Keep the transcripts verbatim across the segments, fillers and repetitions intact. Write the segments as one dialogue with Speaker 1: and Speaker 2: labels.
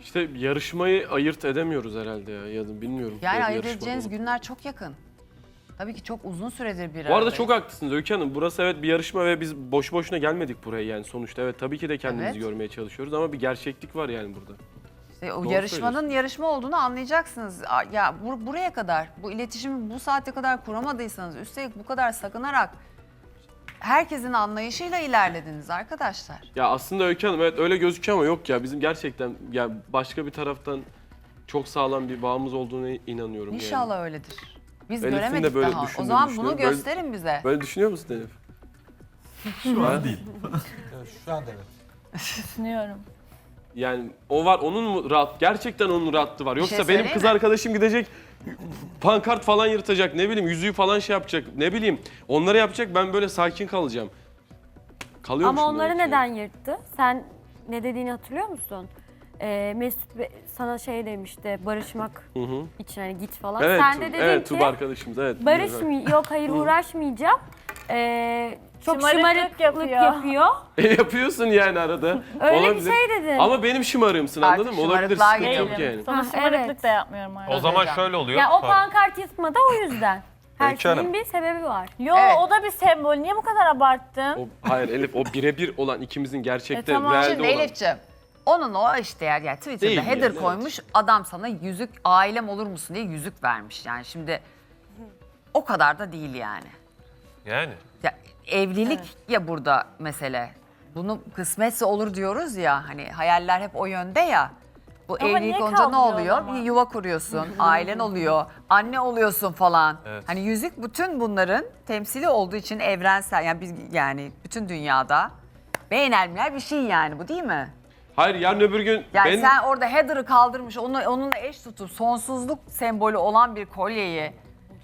Speaker 1: İşte yarışmayı ayırt edemiyoruz herhalde ya, ya da bilmiyorum.
Speaker 2: Yani
Speaker 1: Böyle
Speaker 2: ayırt
Speaker 1: yarışma
Speaker 2: edeceğiniz
Speaker 1: bu.
Speaker 2: günler çok yakın. Tabii ki çok uzun süredir bir
Speaker 1: Bu arada
Speaker 2: aradayız.
Speaker 1: çok haklısınız Öykü Hanım. Burası evet bir yarışma ve biz boş boşuna gelmedik buraya yani sonuçta. Evet tabii ki de kendimizi
Speaker 2: Evet.
Speaker 1: görmeye çalışıyoruz ama bir gerçeklik var yani burada.
Speaker 2: İşte o
Speaker 1: Doğru
Speaker 2: yarışmanın
Speaker 1: söylüyorsun.
Speaker 2: yarışma olduğunu anlayacaksınız. A- Ya bur- buraya kadar, bu iletişimi bu saate kadar kuramadıysanız, üstelik bu kadar sakınarak herkesin anlayışıyla ilerlediniz arkadaşlar.
Speaker 1: Ya aslında Öykü Hanım evet öyle gözüküyor ama yok ya bizim gerçekten ya başka bir taraftan çok sağlam bir bağımız olduğuna inanıyorum yani.
Speaker 2: İnşallah öyledir. Biz
Speaker 1: Elif'in de
Speaker 2: göremedik
Speaker 1: böyle
Speaker 2: daha. O
Speaker 1: düşündüğünü
Speaker 2: zaman bunu
Speaker 1: düşünüyorum. Böyle-
Speaker 2: gösterin bize.
Speaker 1: Böyle düşünüyor musun Elif?
Speaker 3: Şu an değil.
Speaker 4: Şu anda evet.
Speaker 5: Düşünüyorum.
Speaker 1: Yani o var onun mu rahat gerçekten onun rahatlığı var. Yoksa
Speaker 2: şey
Speaker 1: benim
Speaker 2: söyleyeyim
Speaker 1: kız
Speaker 2: mi?
Speaker 1: arkadaşım gidecek pankart falan yırtacak ne bileyim yüzüğü falan şey yapacak ne bileyim onları yapacak ben böyle sakin kalacağım. Kalıyormuşum
Speaker 6: Ama onları
Speaker 1: demek ki.
Speaker 6: neden yırttı? Sen ne dediğini hatırlıyor musun? Ee, Mesut Be- sana şey demişti, barışmak
Speaker 1: Hı hı.
Speaker 6: için hani git falan.
Speaker 1: Evet,
Speaker 6: Sen de dedin
Speaker 1: evet
Speaker 6: ki
Speaker 1: Tuba arkadaşımız evet.
Speaker 6: barışmay yok hayır uğraşmayacağım. Ee, çok
Speaker 5: Şımarıklık
Speaker 6: şımarıklık
Speaker 5: yapıyor.
Speaker 6: yapıyor.
Speaker 1: E, yapıyorsun yani arada.
Speaker 6: Öyle
Speaker 1: Olabilir.
Speaker 6: bir şey dedin.
Speaker 1: Ama benim şımarığımsın
Speaker 2: Artık
Speaker 1: anladın mı? Olabilir
Speaker 2: şımarıklığa
Speaker 1: sıkıntı yok
Speaker 5: Değilim.
Speaker 1: yani.
Speaker 5: Sana
Speaker 6: Ha,
Speaker 5: şımarıklık
Speaker 6: evet.
Speaker 5: da yapmıyorum artık.
Speaker 7: O zaman
Speaker 2: hocam.
Speaker 7: şöyle oluyor.
Speaker 6: Ya o
Speaker 7: Pardon.
Speaker 6: pankart yırtma da o yüzden. Her
Speaker 3: Öykü Hanım.
Speaker 6: şeyin bir sebebi var.
Speaker 5: Yo
Speaker 2: Evet.
Speaker 5: o da bir sembol. Niye bu kadar abarttın?
Speaker 1: O, hayır Elif o birebir olan ikimizin gerçekte
Speaker 5: E, tamam.
Speaker 1: realde
Speaker 2: Şimdi
Speaker 1: olan.
Speaker 2: Elif'ciğim, onun o işte yani, yani Twitter'da
Speaker 1: Değil
Speaker 2: header
Speaker 1: yani, evet.
Speaker 2: koymuş, adam sana yüzük, ailem olur musun diye yüzük vermiş. Yani şimdi o kadar da değil yani.
Speaker 7: Yani.
Speaker 2: Ya, evlilik ya burada mesele. Bunu kısmetse olur diyoruz ya, hani hayaller hep o yönde ya. Bu
Speaker 5: Ama
Speaker 2: evlilik
Speaker 5: niye
Speaker 2: olunca ne
Speaker 5: kaldırıyor o
Speaker 2: oluyor?
Speaker 5: zaman?
Speaker 2: Bir yuva kuruyorsun, ailen oluyor, anne oluyorsun falan.
Speaker 7: Evet.
Speaker 2: Hani yüzük bütün bunların temsili olduğu için evrensel, yani biz yani bütün dünyada beğenilmeyen bir şey yani, bu değil mi?
Speaker 1: Hayır yarın öbür gün
Speaker 2: Yani
Speaker 1: ben
Speaker 2: sen orada header'ı kaldırmış, onu, onunla eş tutup sonsuzluk sembolü olan bir kolyeyi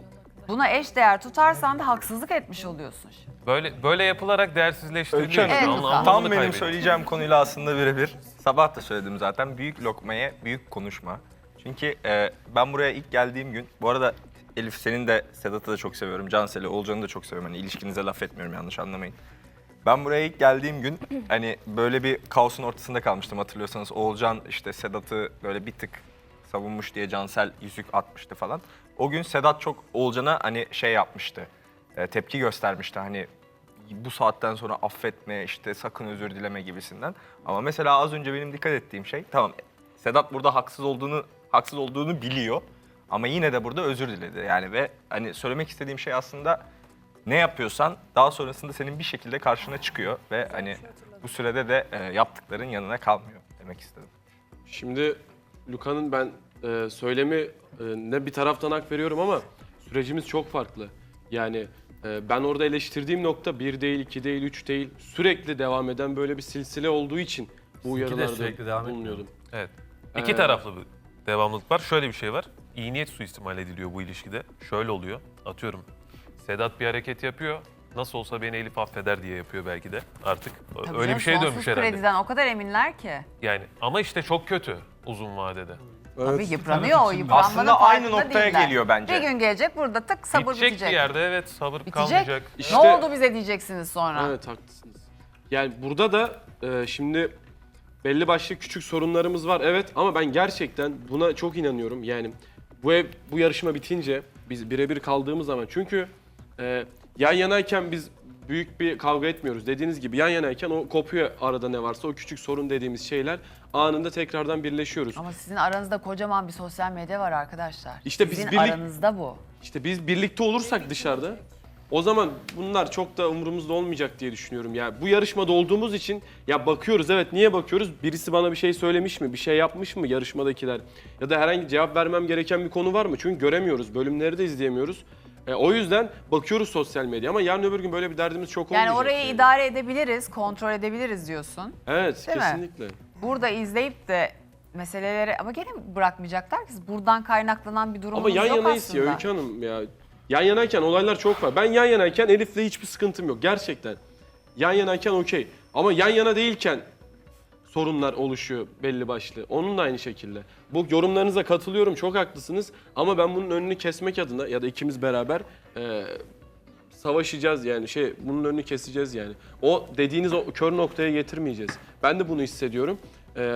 Speaker 2: buna eş değer tutarsan da haksızlık etmiş oluyorsun.
Speaker 7: Böyle böyle yapılarak değersizleştiriliyor.
Speaker 3: Öykü
Speaker 2: Hanım,
Speaker 7: Anla-
Speaker 2: Evet,
Speaker 7: anlamını
Speaker 3: Tam benim
Speaker 7: kaybediyor.
Speaker 3: söyleyeceğim konuyla aslında birebir. Sabah da söyledim zaten. Büyük lokmaya büyük konuşma. Çünkü e, ben buraya ilk geldiğim gün, bu arada Elif senin de Sedat'ı da çok seviyorum. Cansel'i, Olcan'ı da çok seviyorum. Hani ilişkinize laf etmiyorum, yanlış anlamayın. Ben buraya ilk geldiğim gün hani böyle bir kaosun ortasında kalmıştım, hatırlıyorsanız. Oğulcan işte Sedat'ı böyle bir tık savunmuş diye Cansel yüzük atmıştı falan. O gün Sedat çok Oğulcan'a hani şey yapmıştı. e, tepki göstermişti hani bu saatten sonra affetme, işte sakın özür dileme gibisinden. Ama mesela az önce benim dikkat ettiğim şey, tamam Sedat burada haksız olduğunu haksız olduğunu biliyor ama yine de burada özür diledi. Yani ve hani söylemek istediğim şey aslında ne yapıyorsan daha sonrasında senin bir şekilde karşına çıkıyor ve hani bu sürede de e, yaptıkların yanına kalmıyor demek istedim.
Speaker 1: şimdi Luka'nın ben e, söylemi e, ne bir taraftan hak veriyorum ama sürecimiz çok farklı. Yani e, ben orada eleştirdiğim nokta bir değil, iki değil, üç değil sürekli devam eden böyle bir silsile olduğu için bu
Speaker 4: Sizinki de
Speaker 1: uyarılarda
Speaker 4: sürekli devam etmiyor.
Speaker 1: bulunuyordum.
Speaker 7: Evet. İki
Speaker 1: Ee,
Speaker 7: taraflı bir devamlılık var. Şöyle bir şey var. İyi niyet suistimal ediliyor bu ilişkide. Şöyle oluyor. Atıyorum. Sedat bir hareket yapıyor. Nasıl olsa beni Elif affeder diye yapıyor belki de artık.
Speaker 2: Tabii
Speaker 7: Öyle
Speaker 2: canım,
Speaker 7: bir şeye
Speaker 2: sonsuz
Speaker 7: dönmüş herhalde.
Speaker 2: krediden o kadar eminler ki.
Speaker 7: Yani ama işte çok kötü uzun vadede.
Speaker 2: Tabii yıpranıyor o, yıpranmanın
Speaker 3: Aslında aynı
Speaker 2: farkında
Speaker 3: noktaya
Speaker 2: değiller.
Speaker 3: geliyor bence.
Speaker 2: Bir gün gelecek burada tık sabır
Speaker 7: bitecek,
Speaker 2: bitecek.
Speaker 7: bir yerde evet sabır
Speaker 2: Bitecek.
Speaker 7: kalmayacak.
Speaker 1: İşte-
Speaker 2: Ne oldu bize diyeceksiniz sonra.
Speaker 1: Evet haklısınız. Yani burada da e, şimdi belli başlı küçük sorunlarımız var evet ama ben gerçekten buna çok inanıyorum. Yani bu ev bu yarışma bitince biz birebir kaldığımız zaman çünkü e, yan yanayken biz büyük bir kavga etmiyoruz. Dediğiniz gibi yan yanayken o kopuyor arada ne varsa o küçük sorun dediğimiz şeyler anında tekrardan birleşiyoruz.
Speaker 2: Ama sizin aranızda kocaman bir sosyal medya var arkadaşlar.
Speaker 1: İşte biz
Speaker 2: sizin
Speaker 1: birlik-
Speaker 2: aranızda bu.
Speaker 1: İşte biz birlikte olursak dışarıda o zaman bunlar çok da umurumuzda olmayacak diye düşünüyorum. Ya bu yarışmada olduğumuz için ya bakıyoruz evet niye bakıyoruz? Birisi bana bir şey söylemiş mi? Bir şey yapmış mı yarışmadakiler? Ya da herhangi cevap vermem gereken bir konu var mı? Çünkü göremiyoruz. Bölümleri de izleyemiyoruz. E, o yüzden bakıyoruz sosyal medya ama yarın öbür gün böyle bir derdimiz çok
Speaker 2: Yani
Speaker 1: olmayacak.
Speaker 2: orayı idare edebiliriz, kontrol edebiliriz diyorsun.
Speaker 1: Evet
Speaker 2: Değil mi?
Speaker 1: kesinlikle.
Speaker 2: Burada izleyip de meseleleri ama gene bırakmayacaklar ki buradan kaynaklanan bir durumumuz
Speaker 1: Ama yan
Speaker 2: yok
Speaker 1: yanayız
Speaker 2: aslında.
Speaker 1: ya Öykü Hanım ya. Yan yanayken olaylar çok var. Ben yan yanayken Elif'le hiçbir sıkıntım yok gerçekten. Yan yanayken okey. Ama yan yana değilken sorunlar oluşuyor belli başlı. Onun da aynı şekilde. Bu yorumlarınıza katılıyorum çok haklısınız. Ama ben bunun önünü kesmek adına ya da ikimiz beraber e, savaşacağız yani şey bunun önünü keseceğiz yani. O dediğiniz o kör noktaya getirmeyeceğiz. Ben de bunu hissediyorum. E,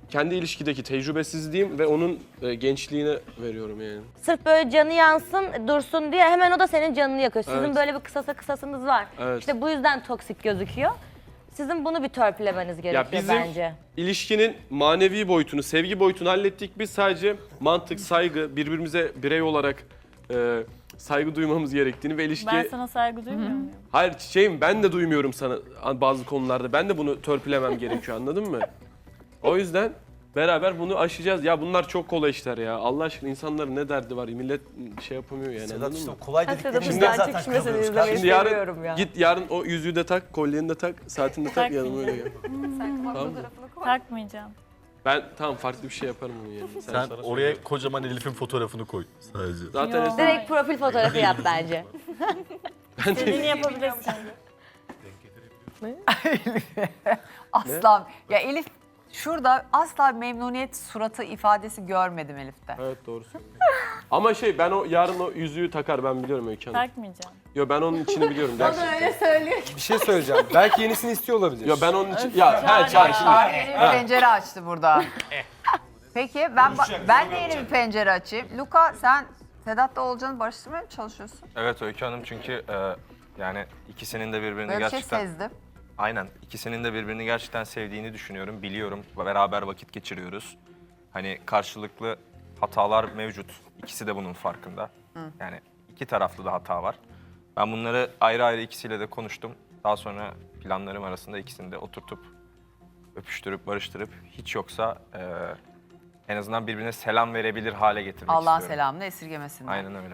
Speaker 1: kendi ilişkideki tecrübesizliğim ve onun e, gençliğine veriyorum yani.
Speaker 8: Sırf böyle canı yansın, dursun diye hemen o da senin canını yakıyor. Sizin
Speaker 1: Evet.
Speaker 8: böyle bir kısasa kısasınız var.
Speaker 1: Evet.
Speaker 8: İşte bu yüzden toksik gözüküyor. Sizin bunu bir törpülemeniz gerekiyor
Speaker 1: bizim-
Speaker 8: bence.
Speaker 1: İlişkinin manevi boyutunu, sevgi boyutunu hallettik. Biz sadece mantık, saygı, birbirimize birey olarak e, saygı duymamız gerektiğini ve ilişki...
Speaker 5: Ben sana saygı duymuyor muyum?
Speaker 1: Hayır çiçeğim, ben de duymuyorum sana bazı konularda. Ben de bunu törpülemem gerekiyor, anladın mı? O yüzden beraber bunu aşacağız. Ya bunlar çok kolay işler ya. Allah aşkına insanların ne derdi var? Millet şey yapamıyor yani,
Speaker 4: Sedat
Speaker 1: anladın
Speaker 4: işte
Speaker 1: mı?
Speaker 4: o kolay
Speaker 8: Sedat'ın
Speaker 4: dediklerimizden
Speaker 8: can
Speaker 4: zaten
Speaker 8: çekişmesini
Speaker 4: kırılıyoruz.
Speaker 8: izlemeyi
Speaker 1: Şimdi yarın
Speaker 8: seviyorum ya.
Speaker 1: git yarın o yüzüğü de tak, kolyeni de tak, saatini de tak, yanıma öyle gel. Tamam mı?
Speaker 5: Takmayacağım.
Speaker 1: Ben tamam farklı bir şey yaparım onu yani. Sen,
Speaker 9: Sen oraya kocaman Elif'in fotoğrafını koy sadece.
Speaker 1: zaten
Speaker 5: Yo.
Speaker 1: es-
Speaker 8: Direkt profil fotoğrafı yap bence.
Speaker 5: İstediğini yapabilirsin.
Speaker 2: Asla. Ya Elif şurada asla memnuniyet suratı ifadesi görmedim Elif'te.
Speaker 1: Evet doğru söylüyorsun. Ama şey ben o yarın o yüzüğü takar, ben biliyorum Öykü Hanım.
Speaker 5: Takmayacağım.
Speaker 1: Yo ben onun içini biliyorum gerçekten.
Speaker 10: Bir şey söyleyeceğim. Belki yenisini istiyor olabilir.
Speaker 1: Yo ben onun için ya her çağır şimdi.
Speaker 2: Aa, yeni bir pencere açtı burada. Peki ben ba- ben de yeni bir pencere açayım. Luka sen Sedat'la Oğulcan'ı barıştırmaya mı çalışıyorsun?
Speaker 3: Evet Öykü Hanım çünkü e, yani ikisinin de birbirini
Speaker 2: Böyle bir şey
Speaker 3: gerçekten...
Speaker 2: sezdim.
Speaker 3: Aynen. İkisinin de birbirini gerçekten sevdiğini düşünüyorum. Biliyorum. Beraber vakit geçiriyoruz. Hani karşılıklı hatalar mevcut. İkisi de bunun farkında. Yani iki taraflı da hata var. Ben bunları ayrı ayrı ikisiyle de konuştum. Daha sonra planlarım arasında ikisini de oturtup öpüştürüp barıştırıp hiç yoksa e, en azından birbirine selam verebilir hale getirmek
Speaker 2: Allah'ın
Speaker 3: istiyorum.
Speaker 2: selamını esirgemesinler.
Speaker 3: Aynen öyle.